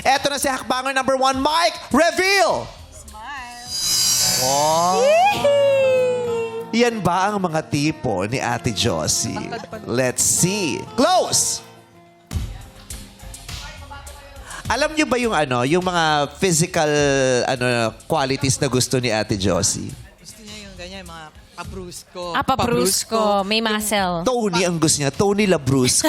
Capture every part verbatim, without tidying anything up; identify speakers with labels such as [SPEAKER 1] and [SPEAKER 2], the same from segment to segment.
[SPEAKER 1] Eto na si hakbanger number one, Mike. Reveal!
[SPEAKER 2] Wow.
[SPEAKER 1] Yan ba ang mga tipo ni Ate Josie? Let's see. Close! Alam niyo ba yung ano, yung mga physical ano qualities na gusto ni Ate Josie?
[SPEAKER 3] Gusto niya yung ganyan, mga pabrusko.
[SPEAKER 4] Ah, pabrusco. May muscle.
[SPEAKER 1] Tony ang gusto niya. Tony Labrusco.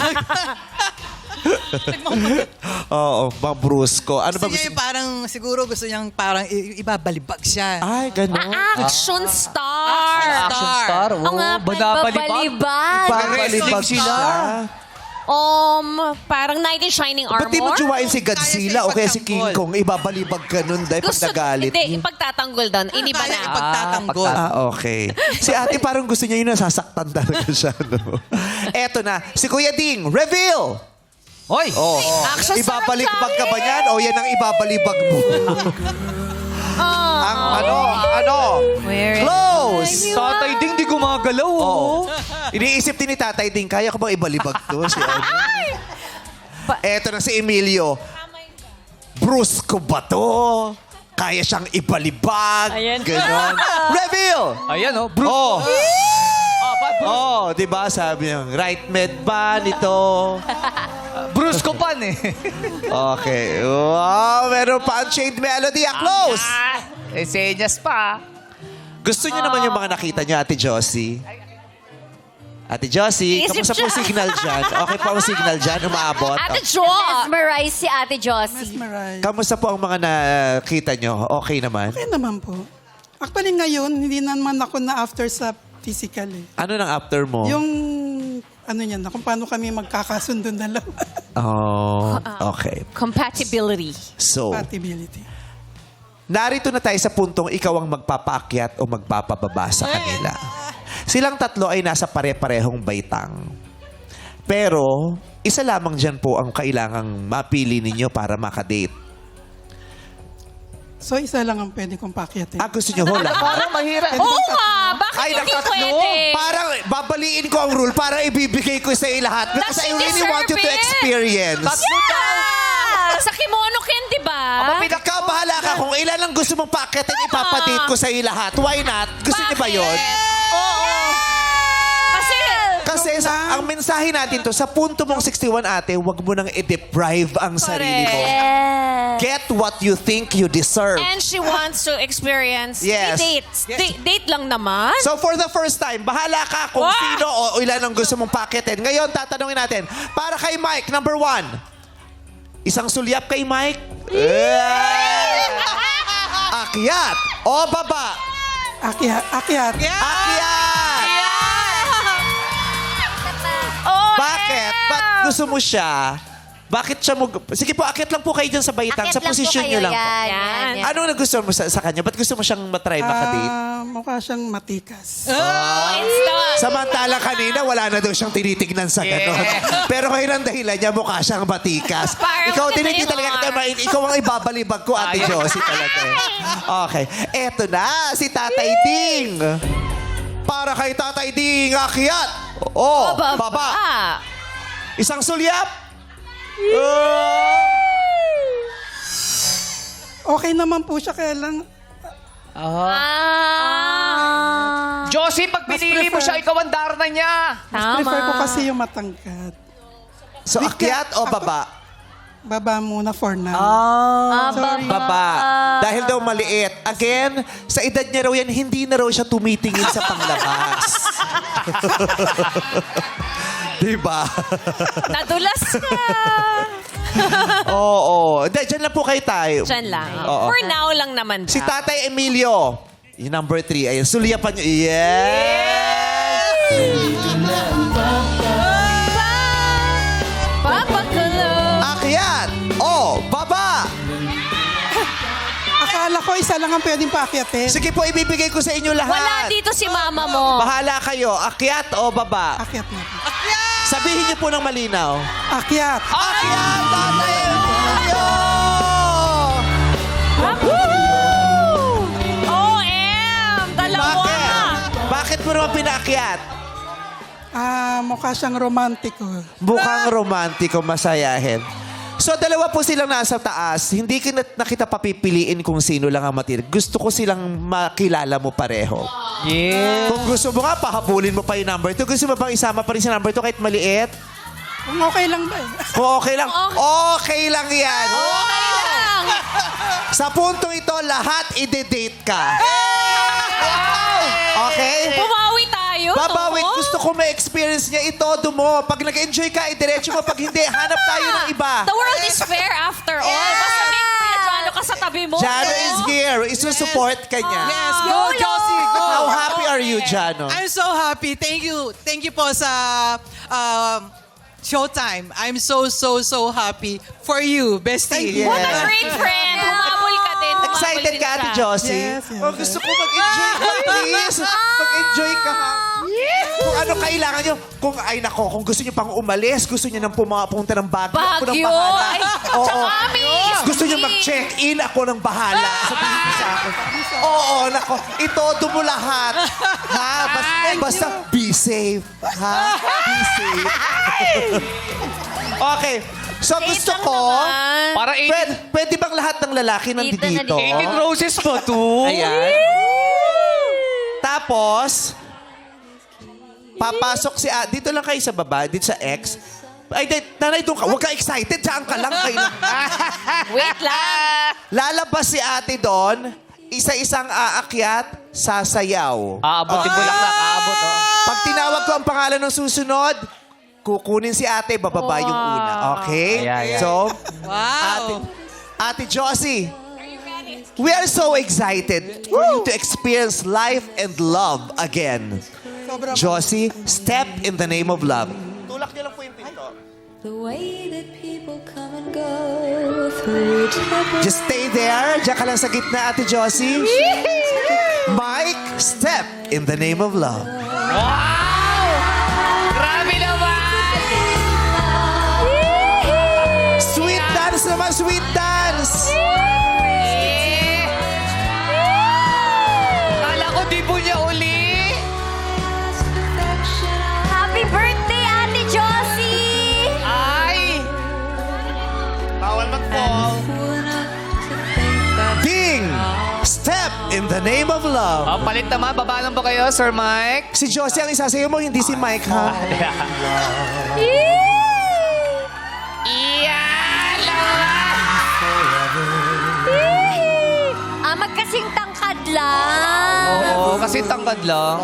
[SPEAKER 1] Oo, Labrusco. Ano ba
[SPEAKER 3] Gusto
[SPEAKER 1] gusto
[SPEAKER 3] niya yung parang, siguro gusto niyang parang i- ibabalibag siya.
[SPEAKER 1] Ay, gano'n.
[SPEAKER 4] Action star.
[SPEAKER 2] Action star.
[SPEAKER 4] Oo nga,
[SPEAKER 2] Banabalibag.
[SPEAKER 1] Pabalibag
[SPEAKER 2] sila.
[SPEAKER 4] Um, parang knight in shining armor.
[SPEAKER 1] Ba't di mo jowain si Godzilla o kaya si King
[SPEAKER 3] ipagtanggol.
[SPEAKER 1] Kong? Ibabalibag ka nun dahil pag
[SPEAKER 4] Gusto,
[SPEAKER 1] nagalit.
[SPEAKER 4] hindi, ipagtatanggol doon. Iniba
[SPEAKER 3] Kaya
[SPEAKER 4] na.
[SPEAKER 3] ipagtatanggol.
[SPEAKER 1] Ah, okay. Si ate parang gusto niya yung nasasaktan talaga siya, no? Eto na, si Kuya Ding, reveal!
[SPEAKER 2] Hoy!
[SPEAKER 1] Oh,
[SPEAKER 4] action star
[SPEAKER 1] ibabalibag ka ba
[SPEAKER 4] tayo.
[SPEAKER 1] niyan? O yan ang ibabalibag mo? ang ano, ano?
[SPEAKER 4] Where is-
[SPEAKER 1] Close!
[SPEAKER 2] Tatay Ding, di gumagalaw.
[SPEAKER 1] Oo.
[SPEAKER 2] Oh.
[SPEAKER 1] Iniisip din ni Tatay Ding, kaya ko bang ibalibag to? Si ano? Eto na si Emilio. Brusco ba to? Kaya siyang ibalibag?
[SPEAKER 4] Ayan.
[SPEAKER 1] Ganon. Reveal!
[SPEAKER 2] Ayan, oh. Bruce.
[SPEAKER 1] Oh.
[SPEAKER 2] Ah, ba, Bruce?
[SPEAKER 1] Oh, di ba? Sabi niya, right med ba nito?
[SPEAKER 2] Bruce ko pan eh.
[SPEAKER 1] Okay. Wow, meron pa ang chained melody. Ah, close!
[SPEAKER 2] Ah, eh, senyas pa.
[SPEAKER 1] Gusto niyo naman yung mga nakita niyo, Ate Josie? Ate Josie,
[SPEAKER 4] Iisip
[SPEAKER 1] kamusta po
[SPEAKER 4] siya.
[SPEAKER 1] signal dyan? Okay po ang signal dyan? Umaabot?
[SPEAKER 4] Ate Jo!
[SPEAKER 5] Mesmerize si Ate Josie.
[SPEAKER 6] Mesmerize.
[SPEAKER 1] Kamusta po ang mga nakita nyo? Okay naman?
[SPEAKER 6] Okay naman po. Actually ngayon, hindi naman ako na after sa physical eh.
[SPEAKER 1] Ano nang after mo?
[SPEAKER 6] Yung ano niyan na, kung paano kami magkakasundo dalawa.
[SPEAKER 1] Oh, okay.
[SPEAKER 4] Compatibility.
[SPEAKER 1] So,
[SPEAKER 6] Compatibility.
[SPEAKER 1] narito na tayo sa puntong ikaw ang magpapaakyat o magpapababa sa kanila. Silang tatlo ay nasa pare-parehong baitang. Pero, isa lamang dyan po ang kailangang mapili ninyo para makadate.
[SPEAKER 6] So isa lang ang pwede kong pakyatin.
[SPEAKER 1] Ah, gusto nyo ho lahat?
[SPEAKER 2] Parang mahirap.
[SPEAKER 4] Oo nga! Bakit
[SPEAKER 1] Ay,
[SPEAKER 4] hindi
[SPEAKER 1] natatlo.
[SPEAKER 4] pwede?
[SPEAKER 1] Parang babaliin ko ang rule para ibibigay ko sa iyo lahat. Because
[SPEAKER 4] Does
[SPEAKER 1] I
[SPEAKER 4] she
[SPEAKER 1] really want you to
[SPEAKER 4] deserve it?
[SPEAKER 1] experience.
[SPEAKER 4] Yeah! Sa kimono ken, di ba?
[SPEAKER 1] Ikaw, bahala ka. Kung ilan ang gusto mong paketin, ipapadate ko sa iyo lahat. Why not? Gusto niyo ba yun?
[SPEAKER 4] Oo. Kasi,
[SPEAKER 1] Kasi sa, ang mensahe natin to, sa punto mong sixty-one, ate, huwag mo nang i-deprive ang sarili mo.
[SPEAKER 5] Yes.
[SPEAKER 1] Get what you think you deserve.
[SPEAKER 4] and she wants to experience
[SPEAKER 1] Yes.
[SPEAKER 4] three dates. Date, date lang naman.
[SPEAKER 1] So for the first time, bahala ka kung
[SPEAKER 4] Wow!
[SPEAKER 1] sino o ilan ang gusto mong paketin. Ngayon, tatanungin natin, para kay Mike, number one, isang sulyap kay Mike. Akyat o baba?
[SPEAKER 6] Akyat. Akyat.
[SPEAKER 1] Akyat!
[SPEAKER 4] Oh,
[SPEAKER 1] Bakit? Ba't gusto mo siya? Bakit siya mo... Sige po, akyat lang po kayo dyan sa baitang. Sa
[SPEAKER 5] Akit lang po
[SPEAKER 1] posisyon
[SPEAKER 5] kayo,
[SPEAKER 1] nyo lang po.
[SPEAKER 5] yan,
[SPEAKER 4] Yan.
[SPEAKER 5] yan, yan.
[SPEAKER 1] Ano nagustuhan mo sa, sa kanya? Ba't gusto mo siyang matry makadate?
[SPEAKER 6] Ah, mukha siyang matikas.
[SPEAKER 4] Oh, instant.
[SPEAKER 1] Samantala kanina, wala na daw siyang tinitignan sa ganon. Pero ngayon ang dahilan niya, mukha siyang batikas.
[SPEAKER 4] Parang
[SPEAKER 1] Ikaw din,
[SPEAKER 4] maganda
[SPEAKER 1] hindi
[SPEAKER 4] yung
[SPEAKER 1] talaga
[SPEAKER 4] mga-
[SPEAKER 1] kita ma- Ikaw ang ibabalibag ko, Ate Josie talaga. Okay. Eto na, si Tatay Ding. Para kay Tatay Ding, akyat. Oh,
[SPEAKER 4] Baba.
[SPEAKER 1] baba. Isang sulyap. Oh.
[SPEAKER 6] Okay naman po siya, kaya lang
[SPEAKER 4] Ah.
[SPEAKER 2] Josie, pag
[SPEAKER 6] Mas
[SPEAKER 2] pinili mo
[SPEAKER 6] prefer-
[SPEAKER 2] siya, ikaw ang darna niya.
[SPEAKER 4] Tama.
[SPEAKER 6] prefer ko kasi yung matangkad.
[SPEAKER 1] So, akyat o baba?
[SPEAKER 6] Baba muna for now.
[SPEAKER 1] Ah,
[SPEAKER 6] Sorry.
[SPEAKER 1] baba. Dahil daw maliit. Again, sa edad niya raw yan, hindi na raw siya tumitingin sa panglabas. Diba?
[SPEAKER 4] Nadulas ka.
[SPEAKER 1] Oo. Hindi, dyan lang po kayo tayo.
[SPEAKER 4] Diyan lang.
[SPEAKER 1] Oo.
[SPEAKER 4] For now lang naman.
[SPEAKER 1] Si
[SPEAKER 4] daw.
[SPEAKER 1] Tatay Emilio. Yung number three. Ayun, sulyapan niyo. Yes!
[SPEAKER 4] Papakulong.
[SPEAKER 1] Akyat! O, baba!
[SPEAKER 6] Akala ko isa lang ang pwedeng pakyatin.
[SPEAKER 1] Sige po, ibibigay ko sa inyo lahat.
[SPEAKER 4] Wala dito si mama mo.
[SPEAKER 1] Bahala kayo. Akyat o baba?
[SPEAKER 6] Akyat na po.
[SPEAKER 1] Sabihin niyo po ng malinaw.
[SPEAKER 6] Akyat.
[SPEAKER 1] Akyat, Tatay Emilio!
[SPEAKER 4] O M! Dalawa.
[SPEAKER 1] Bakit? Bakit mo naman pinaakyat?
[SPEAKER 6] Ah, mukha siyang romantiko.
[SPEAKER 1] Mukhang romantiko, masayahin. So, dalawa po silang nasa taas. Hindi ka na, na kita papipiliin kung sino lang ang matira. Gusto ko silang makilala mo pareho.
[SPEAKER 2] Yeah.
[SPEAKER 1] Kung gusto mo nga, pahabulin mo pa yung number two. Gusto mo bang isama pa rin sa number two kahit maliit?
[SPEAKER 6] Kung okay lang ba eh.
[SPEAKER 1] Kung okay lang. Okay lang yan.
[SPEAKER 4] Okay lang.
[SPEAKER 1] Sa puntong ito, lahat ide-date ka. Okay?
[SPEAKER 4] Bumawi tayo.
[SPEAKER 1] Babawit,
[SPEAKER 4] no?
[SPEAKER 1] gusto ko ma-experience niya ito, mo. Pag nag-enjoy ka, idiretso mo. Pag hindi, hanap tayo ng iba.
[SPEAKER 4] The world is fair after all. Basta may Kuya Jano ka sa tabi mo.
[SPEAKER 1] Jano
[SPEAKER 4] no?
[SPEAKER 1] is here. Isusupport ka niya.
[SPEAKER 3] Yes, go, Josie, go.
[SPEAKER 1] How happy are you, Jano?
[SPEAKER 3] I'm so happy. Thank you. Thank you po sa um, Showtime. I'm so, so, so happy for you, bestie.
[SPEAKER 1] you.
[SPEAKER 4] What a
[SPEAKER 1] Yeah.
[SPEAKER 4] great friend. Humabol ka din. Humabol
[SPEAKER 1] Excited
[SPEAKER 4] din
[SPEAKER 1] ka, Ate
[SPEAKER 4] siya.
[SPEAKER 1] Josie?
[SPEAKER 6] Yes, yes.
[SPEAKER 1] Oh, gusto ko mag-enjoy ka, please. Mag-enjoy ka, ha? Kung ano kailangan nyo, kung ay nako, kung gusto nyo pang umalis, gusto nyo nang pumapunta ng Baguio, ako ng
[SPEAKER 4] Baguio.
[SPEAKER 1] bahala.
[SPEAKER 4] Ay,
[SPEAKER 1] Oo.
[SPEAKER 4] tsaka amis.
[SPEAKER 1] Gusto nyo mag-check-in, ako ng bahala. Sabihin mo sa akin. Oo, nako, itodo mo lahat. Ha? Basta, basta be safe. Ha? Be safe. Okay. So gusto
[SPEAKER 4] lang
[SPEAKER 1] ko,
[SPEAKER 4] naman.
[SPEAKER 2] Para
[SPEAKER 1] pwede,
[SPEAKER 2] eighteen,
[SPEAKER 1] pwede bang lahat ng lalaki nandito
[SPEAKER 5] Dito na
[SPEAKER 1] dito?
[SPEAKER 5] dito.
[SPEAKER 2] eighteen roses pa to.
[SPEAKER 1] Ayan. Tapos, papasok si... Ah, dito lang kayo sa baba, dito sa X. Ay, di, nanay, doon ka. Huwag ka excited. Diyan ka lang. Kayo lang.
[SPEAKER 4] Wait lang.
[SPEAKER 1] Lalabas si ate doon. Isa-isang aakyat, sasayaw.
[SPEAKER 2] Aabot yung bulaklak. Aabot, oh.
[SPEAKER 1] Pag tinawag ko ang pangalan ng susunod, kukunin si ate, bababa yung una. Okay?
[SPEAKER 2] Ayan, ayan.
[SPEAKER 1] So,
[SPEAKER 3] Wow.
[SPEAKER 1] ate, ate Josie, we are so excited for you to experience life and love again.
[SPEAKER 6] Sobrang
[SPEAKER 1] Josie, step in the name of love. Tulak niyo lang po yung pinto.
[SPEAKER 7] The way that people come and go through trouble.
[SPEAKER 1] Just stay there. Diyan ka lang sa gitna, Ate Josie. Mike, step in the name of love.
[SPEAKER 2] Wow! Grabe naman!
[SPEAKER 1] Sweet dance naman, sweet dance.
[SPEAKER 2] Eh. Kala ko di po niya uli.
[SPEAKER 5] Happy birthday, Ate Josie!
[SPEAKER 2] Ay!
[SPEAKER 1] Bawal mag-fall. Ding! Step in the name of love.
[SPEAKER 2] Oh, palit naman. Baba lang ba kayo, Sir Mike?
[SPEAKER 1] Si Josie ang isasayo mo, hindi si Mike, ha?
[SPEAKER 2] Iyan lang!
[SPEAKER 5] Ah, magkasing tangkad lang.
[SPEAKER 2] Oo, kasi tangkad lang.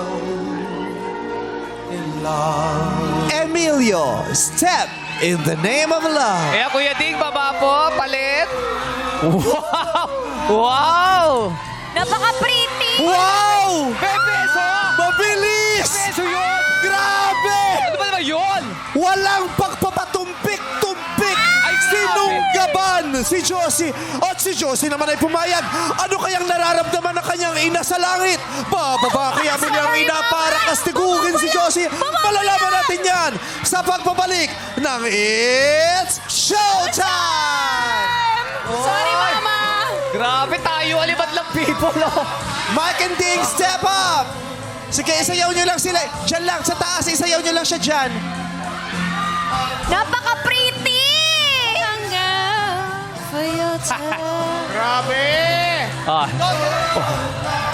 [SPEAKER 1] Emilio, step in the name of love.
[SPEAKER 2] Kaya Kuya Ding, baba po. Palit. Wow! Wow!
[SPEAKER 5] Napaka-pretty!
[SPEAKER 1] Wow!
[SPEAKER 2] Bebeso!
[SPEAKER 1] Mabilis!
[SPEAKER 2] Bebeso yun!
[SPEAKER 1] Grabe!
[SPEAKER 2] Ano ba naman yun?
[SPEAKER 1] Walang pagpapatumpik-tumpik!
[SPEAKER 2] Ay, grabe.
[SPEAKER 1] Sinunggaban si Josie. At si Josie naman ay pumayag. Ano kayang nararamdaman ng kanyang ina sa langit? Bababa kaya mo niyang ina para kastigugin si Josie. Malalaman natin yan sa pagbabalik ng It's Showtime!
[SPEAKER 4] Sorry, Mama.
[SPEAKER 2] Grabe tayo, alibad lang people. Oh.
[SPEAKER 1] Mike and Ding, step up! Sige, isayaw niyo lang sila. Diyan lang, sa taas, isayaw niyo lang siya dyan.
[SPEAKER 5] Napaka-pretty!
[SPEAKER 7] For your time.
[SPEAKER 1] Grabe!
[SPEAKER 2] Ah.